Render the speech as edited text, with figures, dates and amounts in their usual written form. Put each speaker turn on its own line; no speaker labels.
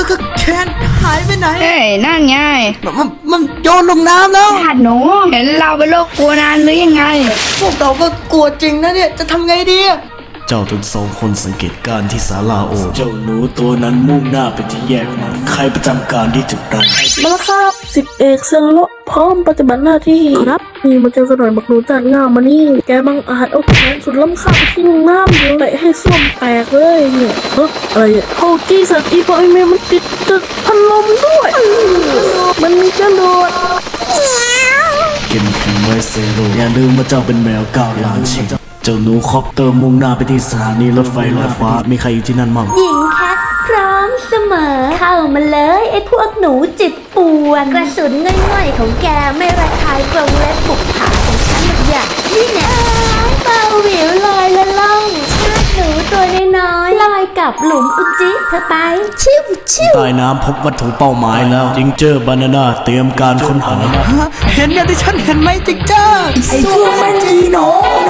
ก็แคนหายไปไหน
เฮ้ยนั่นไง
มันโยนลงน้ำแล้ว
ญาติหนูเห็นเราเป็นโรคกลัวนานหรือยังไง
พวกเราก็กลัวจริงนะเนี่ยจะทำไงดี
เจ้าทั้งสองคนสังเกตการที่ศาลาโอเจ้าหนูตัวนั้นมุ่งหน้าไปที่แยกนั้นใครประจำการที่จุดนั้น
มาแล้วครับ10 เอกเซนโลพร้อมปฏิบัติหน้าที่ครับนี่มาเจอกันหน่อยบักหนูจานง่ามมานี่แกบังอาจเอาแขนสุดล้ำค่าไปทิ้งน้ำเดี๋ยวเตะให้ส้วมแตกเลยเนี่ยอะไรอ่ะโฮกี้สัตว์อีพอไอเมมันติดพัดลมด้วยมันมีกระโดด
เก็บแข็งไว้เซโรอย่าลืมว่าเจ้าเป็นแมว9 ล้านชีวิตเจ้าหนูคอปเตอร์มุ่งหน้าไปที่สถานีรถไฟลอยฟ้ามีใครอยู่ที่นั่นมั่ง
หญิงแคทพร้อมเสมอเข้ามาเลยไอ้พวกหนูจิตป่วนกระสุนง่อยๆของแกไม่ระคายกรงเล็บปุกผาของฉันหรอกอย่างนี่แน่เบาหวิวลอยละล่องชาติหนูตัวน้อยๆลอยกับหลุมอุจิเธอไปชิวชิว
ใต้น้ำพบวัตถุเป้าหมายแล้วจิงเจอร์บานาน่าเตรียมการค้นหา
เห็นอย่างที่ฉันเห็นไหมจิ๊กเจ้า
ไอ้พวกมันจีโน